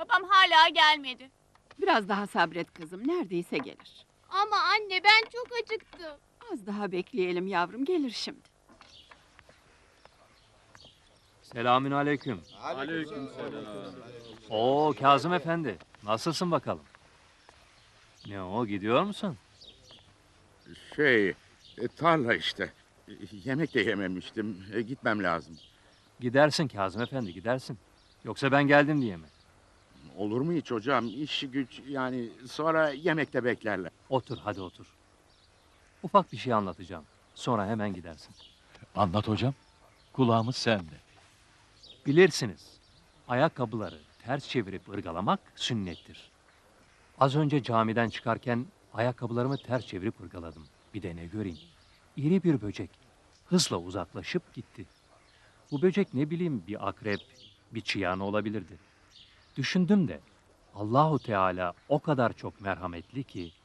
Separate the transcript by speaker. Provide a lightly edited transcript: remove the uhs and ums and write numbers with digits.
Speaker 1: Babam hala gelmedi.
Speaker 2: Biraz daha sabret kızım, neredeyse gelir.
Speaker 1: Ama anne ben çok acıktım.
Speaker 2: Az daha bekleyelim yavrum, gelir şimdi.
Speaker 3: Selamünaleyküm.
Speaker 4: Aleykümselam.
Speaker 3: Oo Kazım Efendi, nasılsın bakalım? Ne o, gidiyor musun?
Speaker 4: Tarla işte. Yemek de yememiştim. Gitmem lazım.
Speaker 3: Gidersin Kazım Efendi, gidersin. Yoksa ben geldim diye mi?
Speaker 4: Olur mu hiç hocam? İş güç yani sonra yemekte beklerler.
Speaker 3: Otur, hadi otur. Ufak bir şey anlatacağım. Sonra hemen gidersin.
Speaker 5: Anlat hocam. Kulağımız sende.
Speaker 3: Bilirsiniz, ayakkabıları ters çevirip ırgalamak sünnettir. Az önce camiden çıkarken ayakkabılarımı ters çevirip ırgaladım. Bir de ne göreyim? İri bir böcek hızla uzaklaşıp gitti. Bu böcek ne bileyim bir akrep, bir çıyan olabilirdi. Düşündüm de Allahu Teala o kadar çok merhametli ki